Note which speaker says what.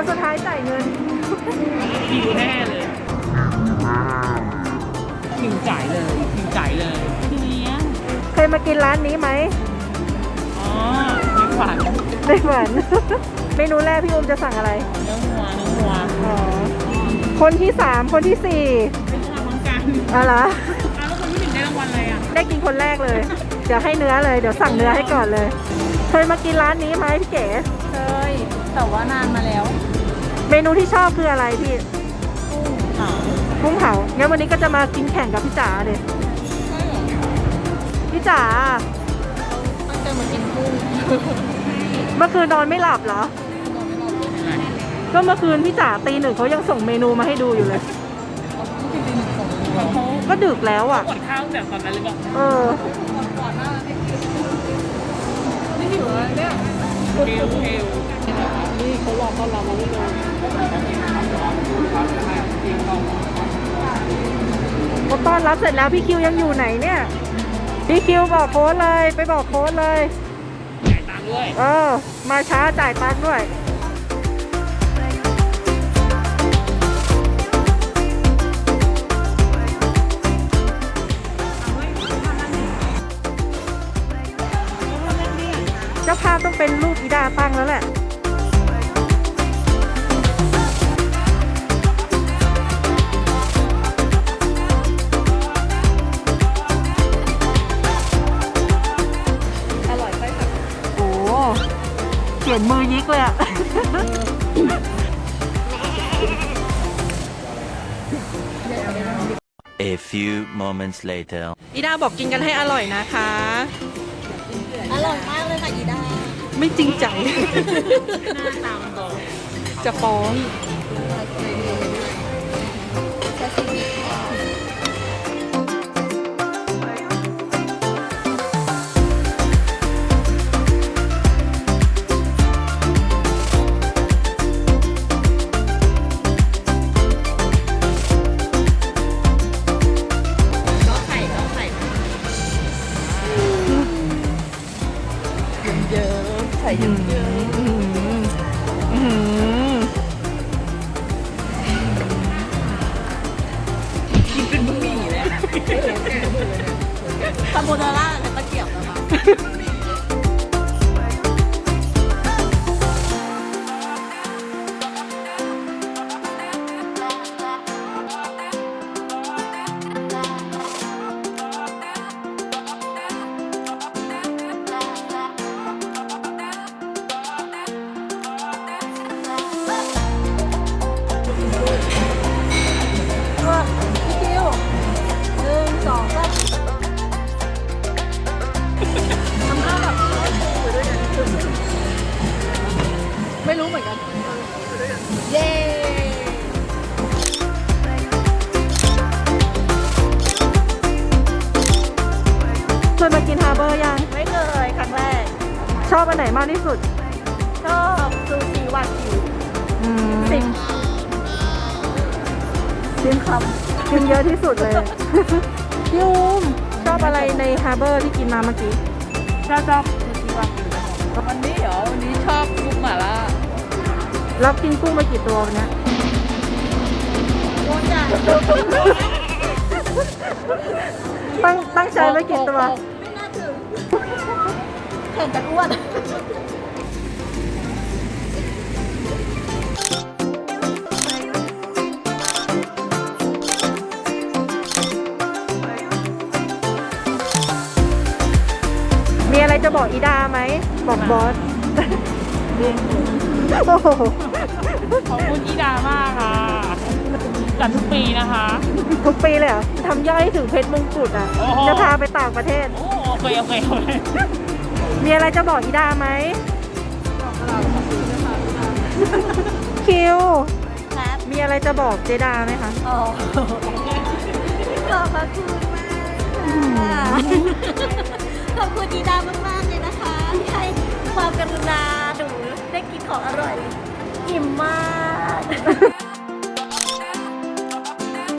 Speaker 1: คนสุดท้ายจ่ายเงิน
Speaker 2: คิวแน่เลยคิวจ่ายเลยคิวจ่ายเลยทีนี้
Speaker 1: เคยมากินร้านนี้ไหม
Speaker 2: อ๋อไม่ฝัน
Speaker 1: ไม่ฝัน เมนูแรกพี่อุ้มจะสั่งอะไร
Speaker 2: เนื้อวัว
Speaker 1: อ๋อคนที่3คนที่4
Speaker 2: ไม่ใช่รางวัลกัน
Speaker 1: อะไร
Speaker 2: แล้วคนที่1ได้รางวัลอะไรอ่ะ
Speaker 1: ได้กินคนแรกเลยเดี๋ยวให้เนื้อเลยเดี๋ยวสั่งเนื้อให้ก่อนเลยเคยมากินร้านนี้ไหมพี่เก๋
Speaker 3: เคยแต่ว่านานมาแล้ว
Speaker 1: เมนูที่ชอบคืออะไรพี่กุ้งเผางั้นวันนี้ก็จะมากินแข่งกับพี่จ๋าเลยพี่จ๋า
Speaker 3: ตั้งใจมากินกุ้ง
Speaker 1: เมื่อคืนนอนไม่หลับเหรอก็เมื่อคืนพี่จ๋าตี 1เขายังส่งเมนูมาให้ดูอยู่เลยก็ดึกแล้วอ่ะ
Speaker 2: กดข้าวแบบตอนนั้นเลยบอก
Speaker 3: ก่อนหน้าไม่หิวเลยเนี่ย
Speaker 2: เฮลนี่เขารอต้อนรับมาไม่เลย
Speaker 1: เขาต้อนรับเสร็จแล้วพี่คิวยังอยู่ไหนเนี่ยพี่คิวบอกโค้ดเลยไปบอกโค้ดเลย
Speaker 2: จ่ายตังค์ด้วย
Speaker 1: มาช้าจ่ายตังค์ด้วยเจ้าภาพต้องเป็นรูปอีดาตั้งแล้วแหละ
Speaker 3: อร่อยไปค่ะ
Speaker 1: โอ้เขียนมือยิกเลยอะ
Speaker 4: A few moments later
Speaker 1: อีดาบอกกินกันให้อร่อยนะคะ
Speaker 3: อร่อยมากเลยค่ะอีดา
Speaker 1: ไม่จริงใจ
Speaker 2: หน้าตามันบอก
Speaker 1: จะฟ้อง
Speaker 3: ใส่เยอะ
Speaker 2: กินเป็นบะหมี่เลย
Speaker 3: คาโบนาร่ากับตะเกียบนะคะไม่รู้เหมือนกันเย้
Speaker 1: เคยมากินฮาร์เบอร์ยัง
Speaker 3: ไม่เคยครั้งแรก
Speaker 1: ชอบอันไหนมากที่สุด
Speaker 3: ชอบซูชิวากิว10คำ
Speaker 1: กินเยอะที่สุดเลยยูมชอบอะไรในฮาร์เบอร์ที่กินมาเมื่อกี้
Speaker 3: ชอบซูชิวากิววันนี้เหรอวันนี้ชอบกุ้งหม่าล่า
Speaker 1: รับกินกุ้งไปกี่ตัววันนี้
Speaker 3: โอ้ยจ้ะ
Speaker 1: ตั้งใจไว้กี่ตัว
Speaker 3: ไม่น่าถึงแข่งกันอ้วน
Speaker 1: มีอะไรจะบอกอีดาไหมบอกบอสโอ้โห
Speaker 2: ขอบคุณอีดามากค่ะจัดทุกปีนะคะ
Speaker 1: ทุกปีเลยเหรอทำย่อยถึงเพชรมงกุฎอ่ะจะพาไปต่างประเทศ
Speaker 2: โอเค
Speaker 1: มีอะไรจะบอกอีดาไหมคิวมีอะไรจะบอกเจดาไหมคะ
Speaker 3: ขอบคุณมากขอบคุณอีดามากๆเลยนะคะที่ให้ความกรุณาหนูได้กินของอร่อยอิ่มมาก